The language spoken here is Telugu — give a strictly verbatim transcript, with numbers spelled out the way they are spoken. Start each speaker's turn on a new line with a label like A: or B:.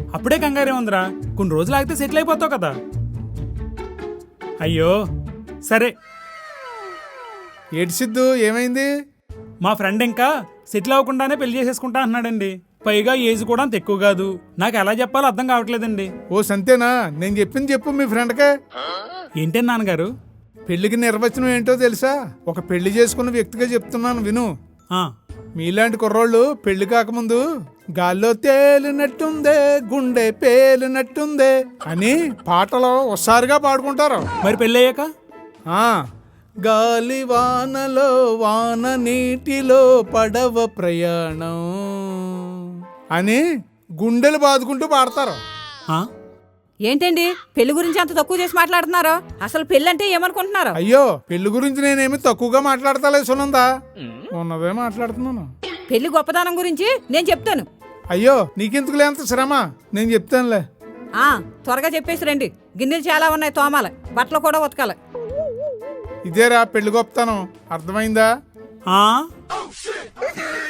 A: అప్పుడే కంగారే ఉందిరా, కొన్ని రోజులు ఆగితే సెటిల్ అయిపోతావు కదా. అయ్యో సరే.
B: ఏటి సిద్ధు, ఏమైంది?
A: మా ఫ్రెండ్ ఇంకా సెటిల్ అవ్వకుండానే పెళ్లి చేసేసుకుంటా అన్నాడండి. పైగా ఏజ్ కూడా అంత ఎక్కువ కాదు. నాకు ఎలా చెప్పాలో అర్థం కావట్లేదండి.
B: ఓ సంతేనా, నేను చెప్పింది చెప్పు మీ ఫ్రెండ్కే.
A: ఏంటండి నాన్నగారు?
B: పెళ్లికి నిర్వచనం ఏంటో తెలుసా? ఒక పెళ్లి చేసుకున్న వ్యక్తిగా చెప్తున్నాను విను.
A: ఆ,
B: మీలాంటి కుర్రోళ్ళు పెళ్లి కాకముందు గాల్లో తేలినట్టుందే, గుండె పేలినట్టుందే అని పాటలో ఒకసారిగా పాడుకుంటారు.
A: మరి పెళ్ళి అయ్యాక?
B: ఆ గాలి వానలో, వాన నీటిలో పడవ ప్రయాణం అని గుండెలు బాదుకుంటూ పాడతారు.
A: ఆ?
C: ఏంటండి పెళ్లి గురించి అంత తక్కువ చేసి మాట్లాడుతున్నారు? అసలు పెళ్లి అంటే ఏమనుకుంటున్నారు?
B: అయ్యో, పెళ్లి గురించి నేనేమి తక్కువగా మాట్లాడతాలే సునందా, ఉన్నదే మాట్లాడుతున్నాను.
C: పెళ్లి గొప్పదనం గురించి నేను చెప్తాను.
B: అయ్యో, నీకెందుకులే అంత శ్రమ, నేను చెప్తానులే.
C: ఆ త్వరగా చెప్పేసి రండి, గిన్నెలు చాలా ఉన్నాయి తోమాలి, బట్టలు కూడా ఉతకాలి.
B: ఇదేరా పెళ్లి గొప్పతనం, అర్థమైందా?
A: ఆ